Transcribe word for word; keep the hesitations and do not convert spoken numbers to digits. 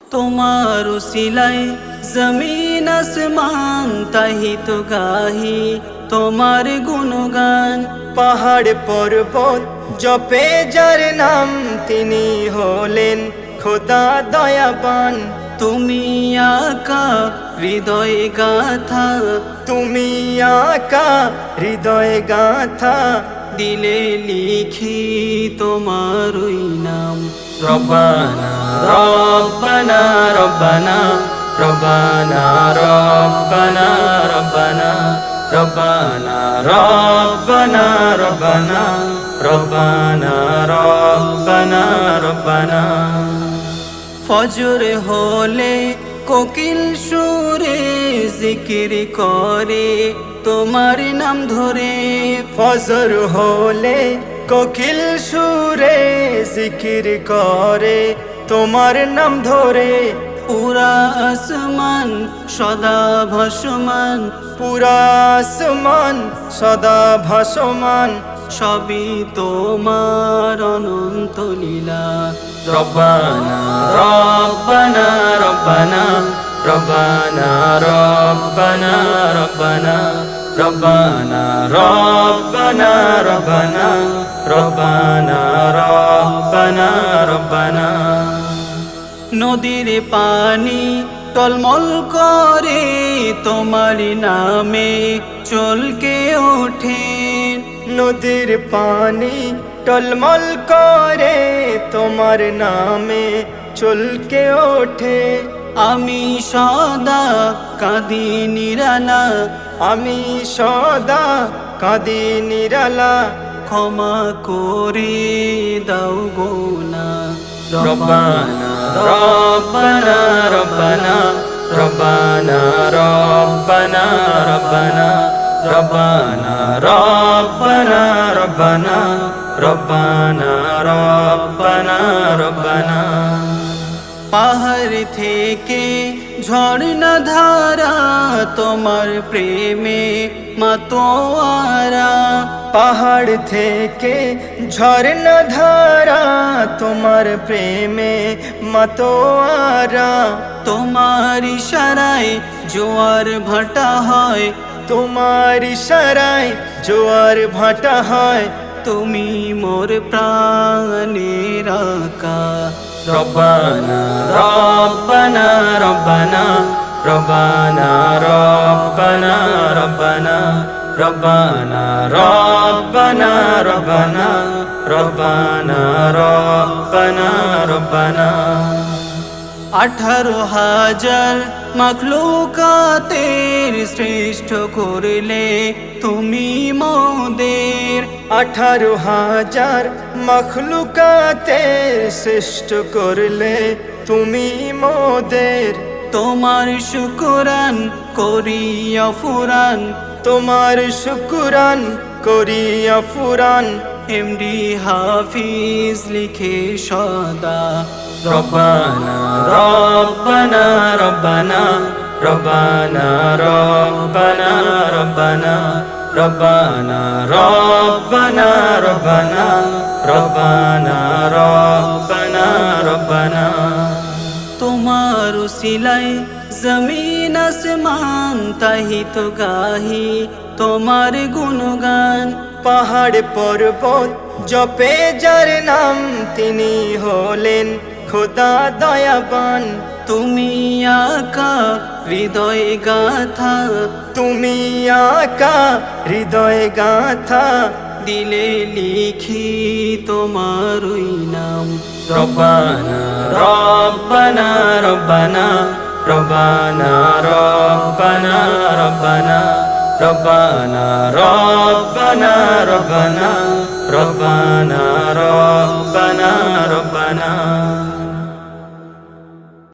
তোমার উসিলায় জমিন আসমান তাহি তো গাহি তোমার গুণগান। পাহাড় পর্বত জপে যার নাম তিনি হলেন খোদা দয়াবান। তুমি আকা হৃদয় গাথা, তুমি আকা হৃদয় গাথা, দিলে লিখি তোমার ওই নাম। রব্বানা রব্বানা রব্বানা রব্বানা রব্বানা রব্বানা রব্বানা রব্বানা রব্বানা রব্বানা রব্বানা রব্বানা। ফজর হলে কোকিল সুরে জিকির করে তোমার নাম ধরে। ফজর হলে কোকিল সুরে জিকির করে তোমার নাম ধরে। পুরা আসমান সদা ভাসমান, পুরা আসমান সদা ভাসমান, সবই তোমার অনন্ত লীলা। রব্বানা রব্বানা রব্বানা রব্বানা রব্বানা রব্বানা রব্বানা রব্বানা রব্বানা রব্বানা রব্বানা রব্বানা। নদীর পানি টলমল করে তোমার নামে চলকে ওঠে। নদীর পানি টলমল করে তোমার নামে চলকে ওঠে। আমি সদা কাঁদি নিরালা, আমি সদা কাঁদি নিরালা, ক্ষমা করে দাও গো না। রব্বানা রব্বানা রব্বানা রব্বানা রব্বানা রব্বানা রব্বানা রব্বানা রব্বানা রব্বানা রব্বানা রব্বানা। পাহাড় থেকে ঝর্ণা ধারা তোমার প্রেমে মাতোয়ারা। পাহাড় থেকে ঝর্ণা ধারা তোমার প্রেমে মাতোয়ারা। তোমার ইশারায় জোয়ার ভাটা হয়, তোমার ইশারায় জোয়ার ভাটা হয়। তুমি মোর প্রাণের আকা। রব্বানা রব্বানা রব্বানা রব্বানা রব্বানা রব্বানা রব্বানা রব্বানা রব্বানা রব্বানা রব্বানা রব্বানা। আঠারো হাজার মাখলুকাতের শ্রেষ্ঠ করলে তুমি মোদের। আঠারো হাজার মখলুকাতের শ্রেষ্ঠ করলে তুমি মোদের। তোমার শুকুরান করিয়া ফুরান, তোমার শুকুরান করিয়া ফুরান। এমডি হাফিজ লিখে সদা। রব্বানা রব্বানা রব্বানা রব্বানা রব্বানা রব্বানা রব্বানা রব্বানা রব্বানা রব্বানা রব্বানা রব্বানা। তোমার উসিলায় জমিন আসমান তাহি তো গাহি তোমার গুণগান। পাহাড় পর্বত জপে যার নাম তিনি হলেন খোদা দয়াবান। তুমি আকা হৃদয় গাথা, তুমি আকা হৃদয় গাথা, দিলে লিখি তোমার ওই নাম। রব্বানা রব্বানা রব্বানা রব্বানা রব্বানা রব্বানা রব্বানা রব্বানা রব্বানা রব্বানা রব্বানা রব্বানা।